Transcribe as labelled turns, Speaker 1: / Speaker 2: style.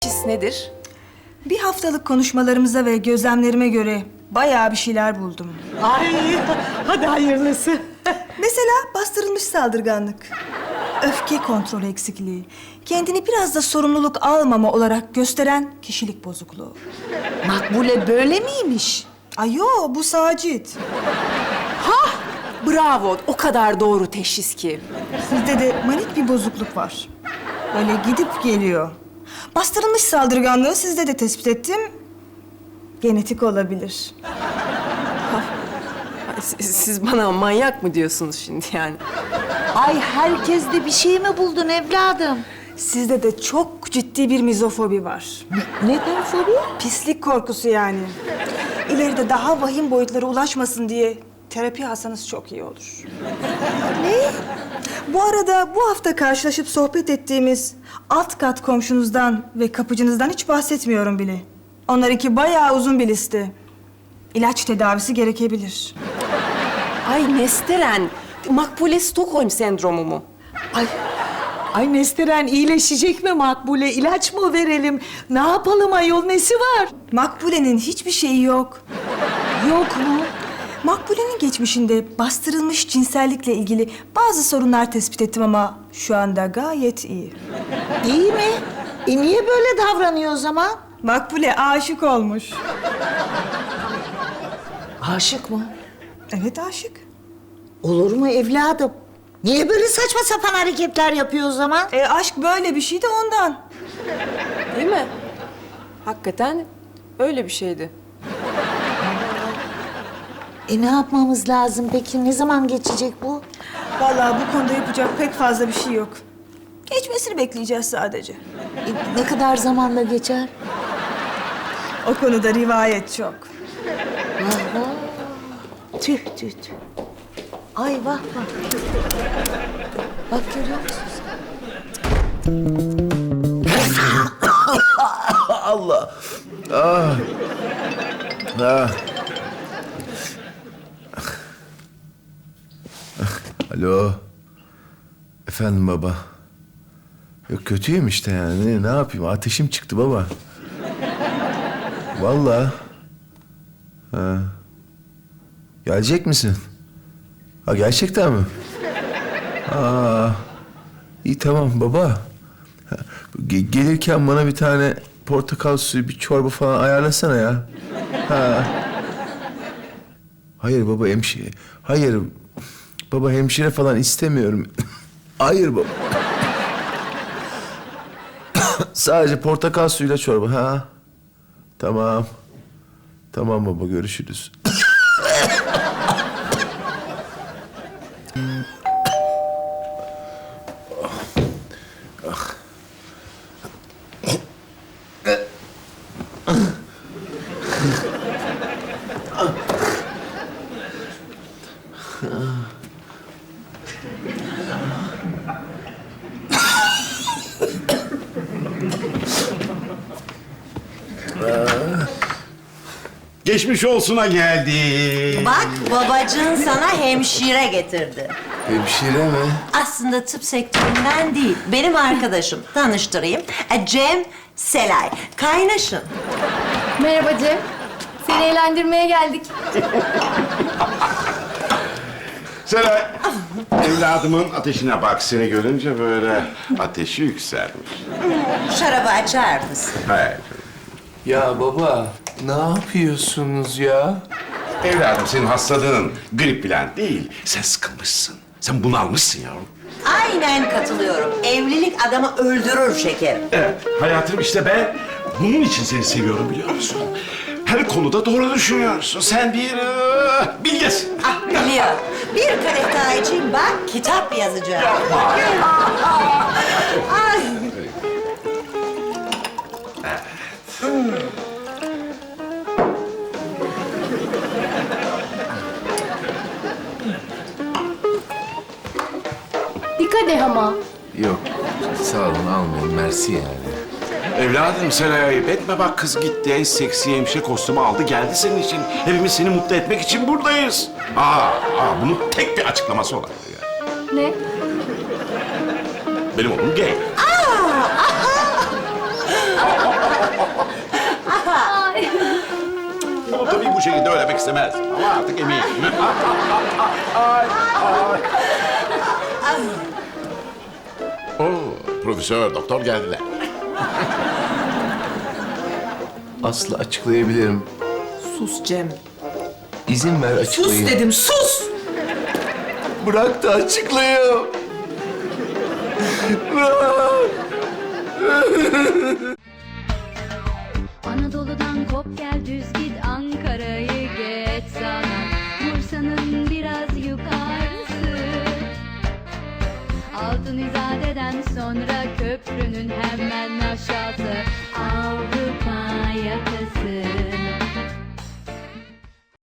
Speaker 1: Teşhis nedir?
Speaker 2: Bir haftalık konuşmalarımıza ve gözlemlerime göre bayağı bir şeyler buldum.
Speaker 3: Ay, hadi hayırlısı.
Speaker 2: Mesela bastırılmış saldırganlık, öfke kontrol eksikliği, kendini biraz da sorumluluk almama olarak gösteren kişilik bozukluğu.
Speaker 3: Makbule böyle miymiş?
Speaker 2: Ay yo, bu Sacit.
Speaker 1: Bravo, o kadar doğru teşhis ki.
Speaker 2: Sizde de manik bir bozukluk var. Böyle gidip geliyor. Bastırılmış saldırganlığı sizde de tespit ettim. Genetik olabilir.
Speaker 1: Siz bana manyak mı diyorsunuz şimdi yani?
Speaker 3: Ay, herkeste bir şey mi buldun evladım?
Speaker 2: Sizde de çok ciddi bir mizofobi var.
Speaker 3: Neden fobi?
Speaker 2: Pislik korkusu yani. İleride daha vahim boyutlara ulaşmasın diye terapi alsanız çok iyi olur. Ne? Bu arada bu hafta karşılaşıp sohbet ettiğimiz alt kat komşunuzdan ve kapıcınızdan hiç bahsetmiyorum bile. Onlarınki bayağı uzun bir liste. İlaç tedavisi gerekebilir.
Speaker 1: Ay Nesteren, Makbule Stockholm sendromu mu?
Speaker 3: Ay Nesteren iyileşecek mi Makbule? İlaç mı verelim? Ne yapalım ayol, nesi var?
Speaker 2: Makbule'nin hiçbir şeyi yok.
Speaker 3: Yok mu?
Speaker 2: Makbule'nin geçmişinde bastırılmış cinsellikle ilgili bazı sorunlar tespit ettim ama şu anda gayet iyi.
Speaker 3: İyi mi? Niye böyle davranıyor o zaman?
Speaker 2: Makbule aşık olmuş.
Speaker 3: Aşık mı?
Speaker 2: Evet aşık.
Speaker 3: Olur mu evladım? Niye böyle saçma sapan hareketler yapıyor o zaman?
Speaker 2: Aşk böyle bir şey de ondan.
Speaker 1: Değil mi? Hakikaten öyle bir şeydi.
Speaker 3: Ne yapmamız lazım peki? Ne zaman geçecek bu?
Speaker 2: Vallahi bu konuda yapacak pek fazla bir şey yok. Geçmesini bekleyeceğiz sadece.
Speaker 3: Ne kadar zamanda geçer?
Speaker 2: O konuda rivayet çok.
Speaker 3: Tüh tüh tüh. Ay vah vah. Bak görüyor musun?
Speaker 4: Allah. Ah. Ah. Alo. Efendim baba. Yok kötüyüm işte yani. Ne yapayım? Ateşim çıktı baba. Vallahi. Ha. Gelecek misin? Ha gerçekten mi? Aa. İyi tamam baba. Ha, gelirken bana bir tane portakal suyu, bir çorba falan ayarlasana ya. Ha. Hayır baba hemşire. Hayır. Baba hemşire falan istemiyorum. Hayır baba. Sadece portakal suyuyla çorba. Ha. Tamam. Tamam baba görüşürüz.
Speaker 5: Geçmiş olsuna geldi.
Speaker 6: Bak babacığın sana hemşire getirdi.
Speaker 4: Hemşire mi?
Speaker 6: Aslında tıp sektöründen değil, benim arkadaşım. Tanıştırayım. Cem Selay. Kaynaşın.
Speaker 7: Merhaba Cem. Seni eğlendirmeye geldik.
Speaker 5: Seray, evladımın ateşine bak. Seni görünce böyle ateşi yükselmiş.
Speaker 6: Şarabı açar mısın?
Speaker 5: Hayır.
Speaker 4: Ya baba ne yapıyorsunuz ya?
Speaker 5: Evladım senin hastalığın grip falan değil. Sen sıkılmışsın. Sen bunalmışsın yavrum.
Speaker 6: Aynen katılıyorum. Evlilik adamı öldürür şekerim.
Speaker 5: Evet, hayatım işte ben bunun için seni seviyorum biliyor musun? Her konuda doğru düşünüyorsun. Sen bir bilgesin.
Speaker 6: Ah biliyor. Bir kadeh daha içeyim bak kitap yazacağım. Ay.
Speaker 7: Bir kadeh ama.
Speaker 4: Yok sağ olun almayın mersi yani.
Speaker 5: Evladım Seray ayıp etme bak kız gitti en seksi hemşire kostümü aldı geldi senin için. Hepimiz seni mutlu etmek için buradayız. Bunun tek bir açıklaması olabilir yani.
Speaker 7: Ne?
Speaker 5: Benim oğlum gay. bu şekilde ölemek istemez. Ama artık eminim. Ay, ay. Oo, profesör, doktor geldiler.
Speaker 4: Aslı açıklayabilirim.
Speaker 1: Sus Cem.
Speaker 4: İzin ver açıklayayım.
Speaker 3: Sus dedim, sus!
Speaker 4: Bırak da açıklayayım. Bırak.
Speaker 8: Anadolu'dan kop gel düz git Ankara'yı geç sana Bursa'nın biraz yukarısı Altın İzade'den sonra köprünün hemen aşağısı Avrupa yakası